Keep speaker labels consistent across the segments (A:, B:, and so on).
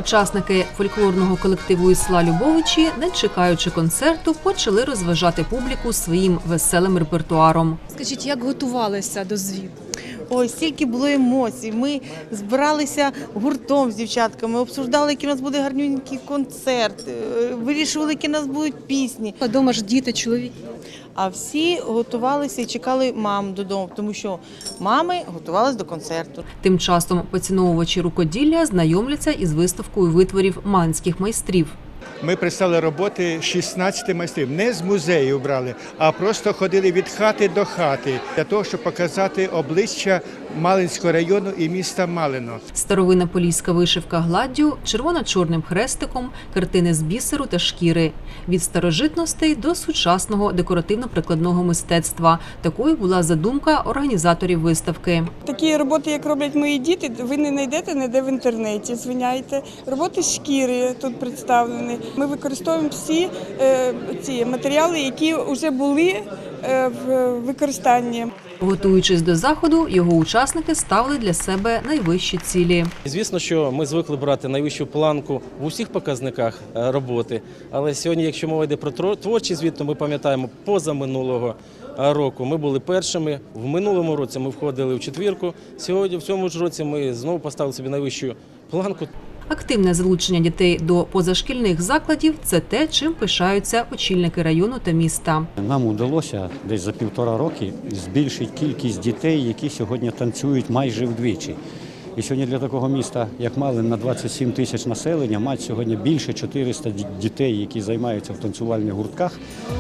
A: Учасники фольклорного колективу із села Любовичі, не чекаючи концерту, почали розважати публіку своїм веселим репертуаром.
B: Скажіть, як готувалися до звіту?
C: Ой, стільки було емоцій. Ми збиралися гуртом з дівчатками, обсуждали, який у нас буде гарненький концерт, вирішували, які у нас будуть пісні.
B: А дома ж діти, чоловік.
C: А всі готувалися і чекали мам додому, тому що мами готувалися до концерту.
A: Тим часом поціновувачі рукоділля знайомляться із виставкою витворів манських майстрів.
D: Ми представили роботи 16 майстрів. Не з музею брали, а просто ходили від хати до хати для того, щоб показати обличчя Малинського району і міста Малино.
A: Старовинна поліська вишивка гладдю, червоно-чорним хрестиком, картини з бісеру та шкіри. Від старожитностей до сучасного декоративно-прикладного мистецтва. Такою була задумка організаторів виставки.
E: Такі роботи, як роблять мої діти, ви не знайдете ніде в інтернеті, звиняйте. Роботи з шкіри тут представлені. Ми використовуємо всі ці матеріали, які вже були в використанні.
A: Готуючись до заходу, його учасники ставили для себе найвищі цілі.
F: Звісно, що ми звикли брати найвищу планку в усіх показниках роботи, але сьогодні, якщо мова йде про творчий звіт, то ми пам'ятаємо, позаминулого року ми були першими, в минулому році ми входили в четвірку, сьогодні в цьому ж році ми знову поставили собі найвищу планку.
A: Активне залучення дітей до позашкільних закладів – це те, чим пишаються очільники району та міста.
G: Нам вдалося десь за 1,5 року збільшити кількість дітей, які сьогодні танцюють майже вдвічі. І сьогодні для такого міста, як Малин, на 27 тисяч населення, мають сьогодні більше 400 дітей, які займаються в танцювальних гуртках.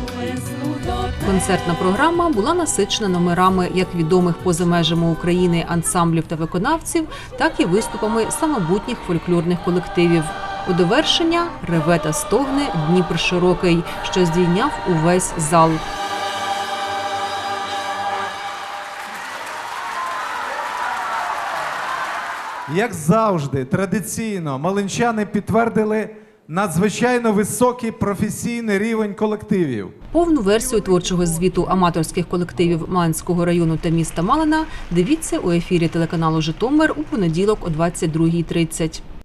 A: Концертна програма була насичена номерами як відомих поза межами України ансамблів та виконавців, так і виступами самобутніх фольклорних колективів. У довершення реве та стогне Дніпр широкий, що здійняв увесь зал.
H: Як завжди, традиційно, малинчани підтвердили надзвичайно високий професійний рівень колективів.
A: Повну версію творчого звіту аматорських колективів Малинського району та міста Малина дивіться у ефірі телеканалу «Житомир» у понеділок о 22:30.